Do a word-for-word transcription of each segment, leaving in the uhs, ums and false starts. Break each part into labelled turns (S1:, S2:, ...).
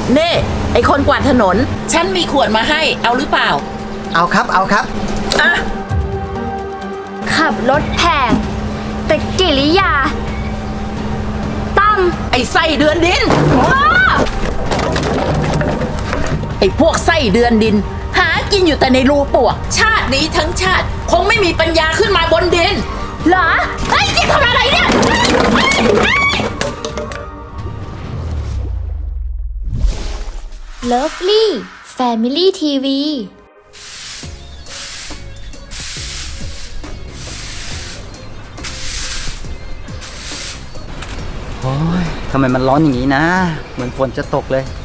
S1: เน่ไอคนกวาดถนนฉันมีขวดมาให้เอาหรือเปล่า
S2: เอาครับเอาครับ
S1: อ่ะ
S3: ขับรถแพงแต่กิริยาตั้ม
S1: ไอไส้เดือนดินไอพวกไส้เดือนดินหากินอยู่แต่ในรูปวกชาตินี้ทั้งชาติคงไม่มีปัญญาขึ้นมาบนดิน
S3: เหรอ
S1: ไอ้แกทำอะไรเนี่ย
S3: เลิฟลี่แฟมิลี่ทีวี
S2: โอ้ยทำไมมันร้อนอย่างนี้นะเหมือนฝนจะตกเลย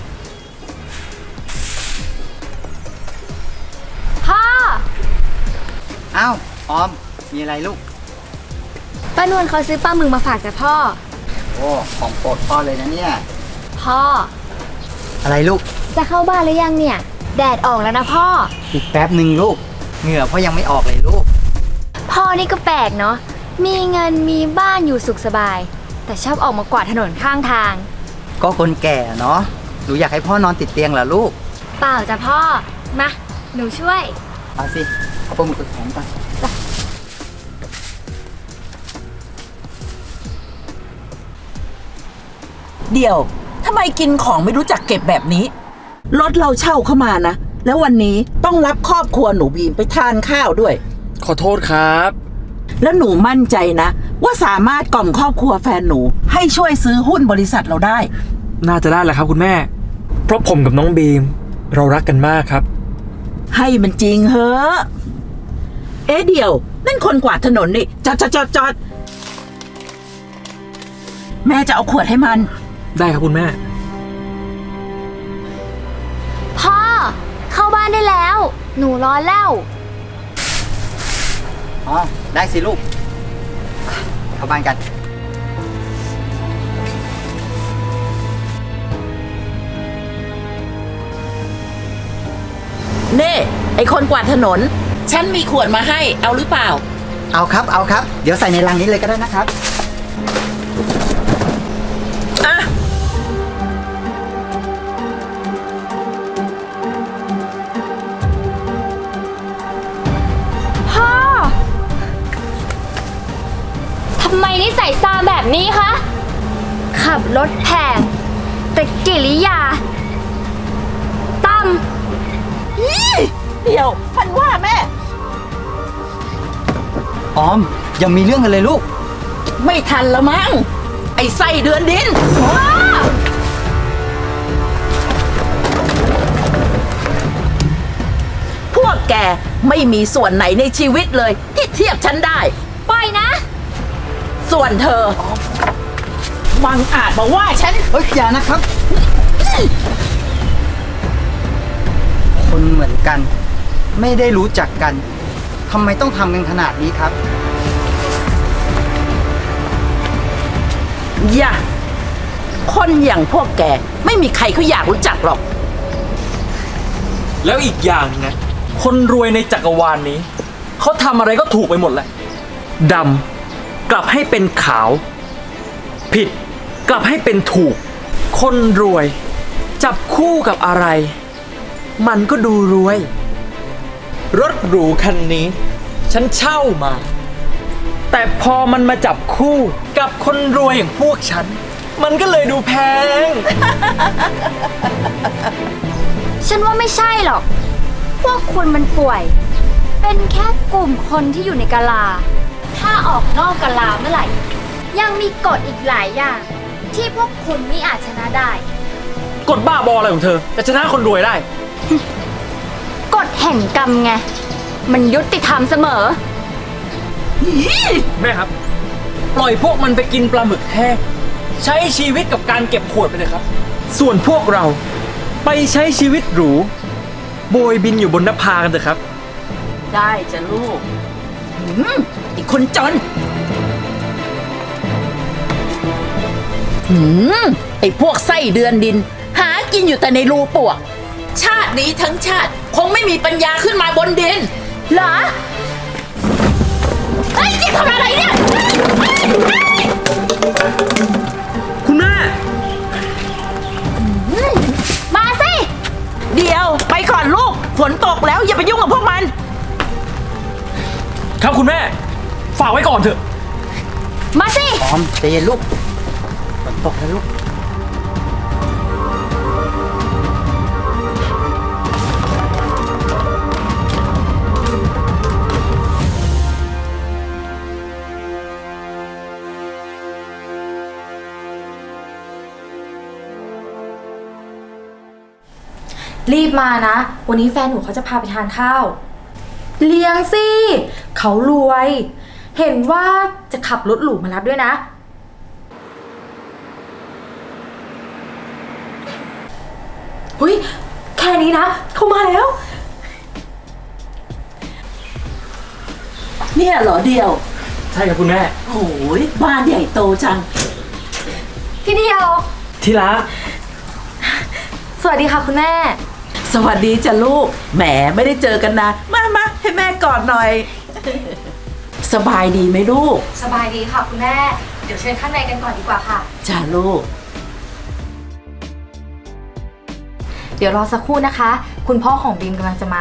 S3: พ่อ
S2: อ้าวออมมีอะไรลูก
S3: ป้านวลเขาซื้อปลาหมึกมาฝากจากพ่อ
S2: โอ้ของโปรดพ่อเลยนะเนี่ย
S3: พ่อ
S2: อะไรลูก
S3: จะเข้าบ้านหรือยังเนี่ยแดดออกแล้วนะพ่อ
S2: อีกแป๊บหนึ่งลูกเหงื่อพ่อยังไม่ออกเลยลูก
S3: พ่อนี่ก็แปลกเนาะมีเงินมีบ้านอยู่สุขสบายแต่ชอบออกมากวาดถนนข้างทาง
S2: ก็คนแก่เนาะหนูอยากให้พ่อนอนติดเตียงเหรอลูก
S3: เปล่าจ้ะพ่อมาหนูช่วย
S2: เอาสิเอาปลาหมึกไปแข็งก่อน
S1: เดี๋ยวทำไมกินของไม่รู้จักเก็บแบบนี้รถเราเช่าเข้ามานะแล้ววันนี้ต้องรับครอบครัวหนูบีมไปทานข้าวด้วย
S4: ขอโทษครับ
S1: แล้วหนูมั่นใจนะว่าสามารถกล่อมครอบครัวแฟนหนูให้ช่วยซื้อหุ้นบริษัทเราได้
S4: น่าจะได้แหละครับคุณแม่เพราะผมกับน้องบีมเรารักกันมากครับ
S1: ให้มันจริงเหอะเอ๊ะเดี๋ยวนั่นคนกวาดถนนนี่จอดจอดจอดจอดแม่จะเอาขวดให้มัน
S4: ได้ครับคุณแม่
S3: พ่อเข้าบ้านได้แล้วหนูร้อนแล้ว
S2: อ๋อได้สิลูกเข้าบ้านกัน
S1: เน่ไอคนกวาดถนนฉันมีขวดมาให้เอาหรือเปล่า
S2: เอาครับเอาครับเดี๋ยวใส่ในลังนี้เลยก็ได้นะครับ
S1: อ่ะ
S3: พ่อทำไมนิสัยซาแบบนี้คะขับรถแพงแต่กิริยาตั้ม
S1: เดี๋ยวมันว่าแม่
S2: ออมยังมีเรื่องกันเลยลูก
S1: ไม่ทันแล้วมั้งไอ้ไส้เดือนดินพวกแกไม่มีส่วนไหนในชีวิตเลยที่เทียบฉันได้
S3: ปล่อยนะ
S1: ส่วนเธอบังอาจมาว่าฉัน
S2: เฮ้ยอย่านะครับคนเหมือนกันไม่ได้รู้จักกันทำไมต้องทำกันขนาดนี้ครับ
S1: อย่าคนอย่างพวกแกไม่มีใครเขาอยากรู้จักหรอก
S4: แล้วอีกอย่างนะคนรวยในจักรวาล น, นี้เขาทำอะไรก็ถูกไปหมดแหละดำกลับให้เป็นขาวผิดกลับให้เป็นถูกคนรวยจับคู่กับอะไรมันก็ดูรวยรถหรูคันนี้ฉันเช่ามาแต่พอมันมาจับคู่กับคนรวยอย่างพวกฉันมันก็เลยดูแพง
S3: ฉันว่าไม่ใช่หรอกพวกคุณมันป่วยเป็นแค่กลุ่มคนที่อยู่ในกะลาถ้าออกนอกกะลาเมื่อไหร่ยังมีกฎอีกหลายอย่างที่พวกคุณไม่อาจชนะได้
S4: กฎบ้าบออะไรของเธอจะชนะคนรวยได้
S3: กฎแห่งกรรมไงมันยุติธรรมเสมอ
S4: แม่ครับปล่อยพวกมันไปกินปลาหมึกแห้งใช้ชีวิตกับการเก็บขวดไปเลยครับส่วนพวกเราไปใช้ชีวิตหรูโบยบินอยู่บนนภากันเถอะครับ
S1: ได้จ้ะลูกไอ้คนจนหืมไอ้พวกไส้เดือนดินหากินอยู่แต่ในรูปวกชาตินี้ทั้งชาติคงไม่มีปัญญาขึ้นมาบนดินเหรอไอ้แกทำอะไรเนี่ย
S4: คุณแม่
S3: มา
S1: ก่อนลูก ฝนตกแล้วอย่าไปยุ่งกับพวกมัน
S4: ครับคุณแม่ ฝากไว้ก่อนเถอะ
S3: มาสิ
S2: ออมใจเย็นลูกฝนตกแล้วลูก
S5: รีบมานะ วันนี้แฟนหนูเขาจะพาไปทานข้าว เลี้ยงสิ เขารวย เห็นว่าจะขับรถหรูมารับด้วยนะ เฮ้ย แค่นี้นะ เขามาแล้ว
S1: เนี่ยเหรอเดียว
S4: ใช่ครับคุณแม่
S1: โอ้ยบ้านใหญ่โตจัง
S5: พี่เดียว
S4: ที่รัก
S5: สวัสดีค่ะคุณแม่
S1: สวัสดีจ้ะลูก แหมไม่ได้เจอกันนะมามาให้แม่กอดหน่อย สบายดีไหมลูก
S5: สบายดีค่ะคุณแม่ เดี๋ยวเชิญข้างในกันก่อนดีกว่าค่ะ
S1: จ้ะลูก
S5: เดี๋ยวรอสักครู่นะคะ คุณพ่อของบีมกำลังจะมา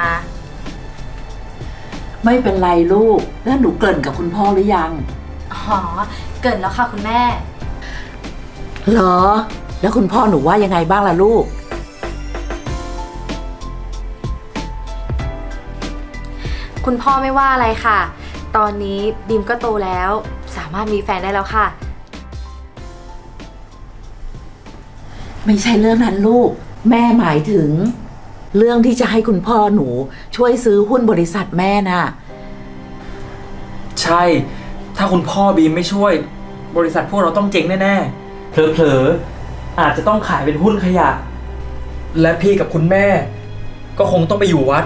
S1: ไม่เป็นไรลูก แล้วหนูเกริ่นกับคุณพ่อหรือยัง
S5: อ๋อ เกิดแล้วค่ะคุณแม่
S1: เหรอ แล้วคุณพ่อหนูว่ายังไงบ้างล่ะลูก
S5: คุณพ่อไม่ว่าอะไรค่ะ ตอนนี้บีมก็โตแล้ว สามารถมีแฟนได้แล้วค่ะ
S1: ไม่ใช่เรื่องนั้นลูก แม่หมายถึง เรื่องที่จะให้คุณพ่อหนูช่วยซื้อหุ้นบริษัทแม่น่ะ
S4: ใช่ ถ้าคุณพ่อบีมไม่ช่วย บริษัทพวกเราต้องเจ๊งแน่ๆ เผลอๆ อาจจะต้องขายเป็นหุ้นขยะ และพี่กับคุณแม่ ก็คงต้องไปอยู่วัด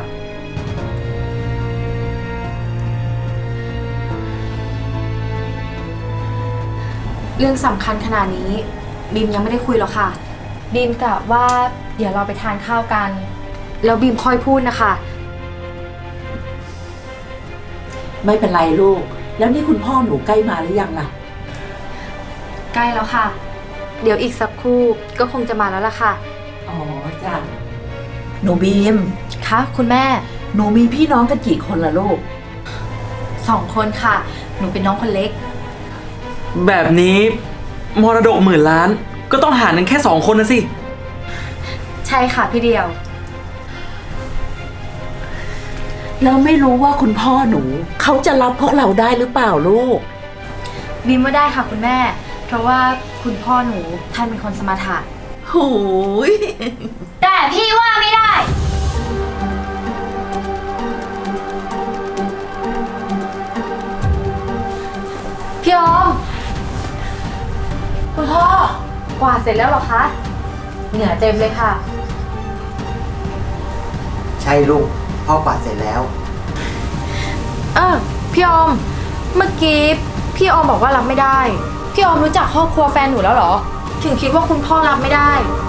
S5: เรื่องสำคัญขนาดนี้บีมยังไม่ได้คุยหรอกค่ะ บีมกะว่าเดี๋ยวเราไปทานข้าวกัน แล้วบีมค่อยพูดนะคะ
S1: ไม่เป็นไรลูก แล้วนี่คุณพ่อหนูใกล้มาหรือยังล่ะ
S5: ใกล้แล้วค่ะ เดี๋ยวอีกสักครู่ก็คงจะมาแล้วล่ะค่ะ
S1: อ๋อจ้ะ หนูบีม
S5: คะคุณแม่
S1: หนูมีพี่น้องกันกี่คนล่ะลูก
S5: สองคนค่ะ หนูเป็นน้องคนเล็ก
S4: แบบนี้มรดกหมื่นล้าน ก็ต้องหารกันแค่สองคนนะสิ
S5: ใช่ค่ะพี่เดียว
S1: แล้วไม่รู้ว่าคุณพ่อหนู เขาจะรับพวกเราได้หรือเปล่าลูก
S5: บีมว่าได้ค่ะคุณแม่ เพราะว่าคุณพ่อหนูท่านเป็นคนสมถะ
S1: หูย
S3: แต่พี่ว่าไม่ได้
S5: พี่ออม คุณพ่อกวาดเสร็จแล้วเหรอคะ เหงื่อเต็มเลยค่ะ
S2: ใช่ลูก พ่อกวาดเสร็จแล้ว
S5: เออพี่ออม เมื่อกี้พี่ออมบอกว่ารับไม่ได้ พี่ออมรู้จักครอบครัวแฟนหนูแล้วเหรอ ถึงคิดว่าคุณพ่อรับไม่ได้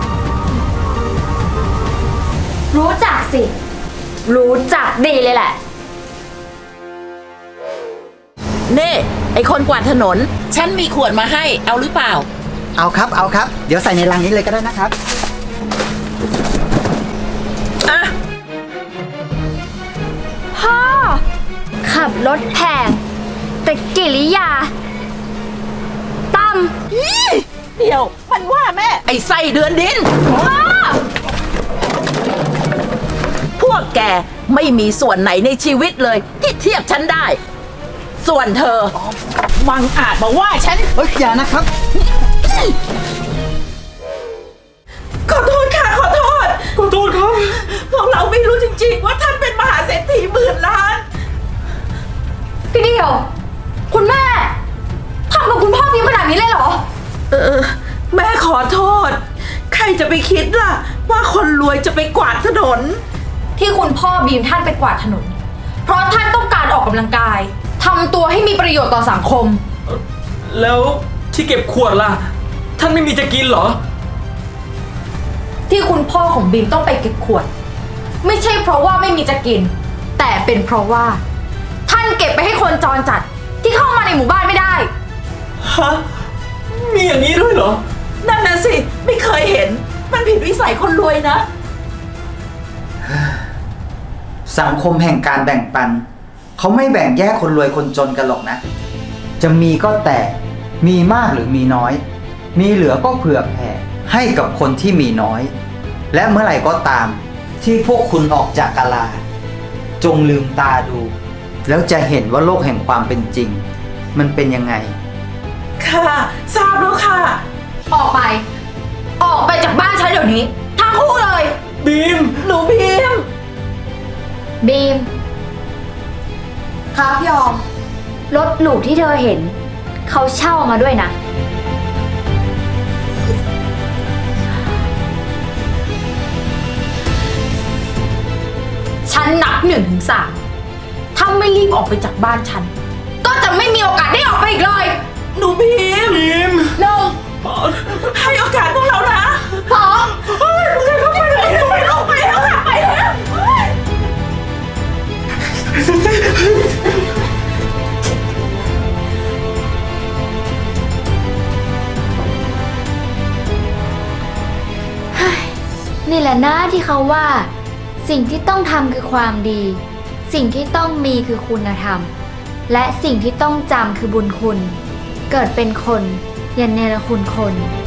S3: รู้จักสิ
S5: รู้จักดีเลยแหละ
S1: เน่ไอคนกวาดถนน ฉันมีขวดมาให้ เอาหรือเปล่า
S2: เอาครับ เอาครับ เดี๋ยวใส่ในลังนี้เลยก็ได้นะครับ
S1: อ่ะ
S3: พ่อ ขับรถแพงแต่กิริยาต่ำ
S1: อี้เดี๋ยว มันว่าแม่ ไอ้ไส้เดือนดิน
S3: พ่อ
S1: พวกแกไม่มีส่วนไหนในชีวิตเลย ที่เทียบฉันได้ ส่วนเธอ มังอาจมาว่าฉัน
S2: เฮ้ย อย่านะครับ
S1: ขอโทษค่ะ ขอโทษ
S4: ขอโทษครับ
S1: พวกเราไม่รู้จริงๆ ว่าท่านเป็นมหาเศรษฐีหมื่นล้าน
S5: พี่เดียว คุณแม่ทำกับคุณพ่อบีมขนาดนี้เลยเหรอ
S1: เออ แม่ขอโทษ ใครจะไปคิดล่ะ ว่าคนรวยจะไปกวาดถนน
S5: ที่คุณพ่อบีมท่านไปกวาดถนน เพราะท่านต้องการออกกำลังกายทำตัวให้มีประโยชน์ต่อสังคม
S4: แล้วที่เก็บขวดล่ะ ท่านไม่มีจะกินเหรอ
S5: ที่คุณพ่อของบีมต้องไปเก็บขวด ไม่ใช่เพราะว่าไม่มีจะกิน แต่เป็นเพราะว่า ท่านเก็บไปให้คนจรจัดที่เข้ามาในหมู่บ้านไม่ได้
S4: ฮะ มีอย่างนี้ด้วยเหรอ
S1: นั่นน่ะสิ ไม่เคยเห็น มันผิดวิสัยคนรวยนะ
S2: สังคมแห่งการแบ่งปัน เขาไม่แบ่งแยกคนรวยคนจนกันหรอกนะ จะมีก็แต่มีมากหรือมีน้อย มีเหลือก็เผื่อแผ่ให้กับคนที่มีน้อย และเมื่อไหร่ก็ตามที่พวกคุณออกจากกาลา จงลืมตาดู แล้วจะเห็นว่าโลกแห่งความเป็นจริง มันเป็นยังไง
S1: ค่ะทราบแล้วค่ะ
S5: ออกไป ออกไปจากบ้านฉันเดี๋ยวนี้ ทั้งคู่เลย
S4: บีม
S1: หนูบีม
S3: บีม
S5: ครับพี่ออม
S3: รถหรูที่เธอเห็น เขาเช่ามาด้วยนะ
S5: ฉันนับหนึ่งถึงสามถ้าไม่รีบออกไปจากบ้านฉัน ก็จะไม่มีโอกาสได้ออกไปอีกเลย
S1: หนูบีม
S4: บีม
S5: หนึ่ง
S1: ให้โอกาสพวกเรานะ
S5: สอง
S1: เฮ้ยมึงจะเข้าไปเลยไปแล้วไปแล้วค่ะไปแล้วเฮ้ย
S3: นี่แหละนะที่เขาว่า สิ่งที่ต้องทำคือความดี สิ่งที่ต้องมีคือคุณธรรม และสิ่งที่ต้องจำคือบุญคุณ เกิดเป็นคนอย่าเนรคุณคน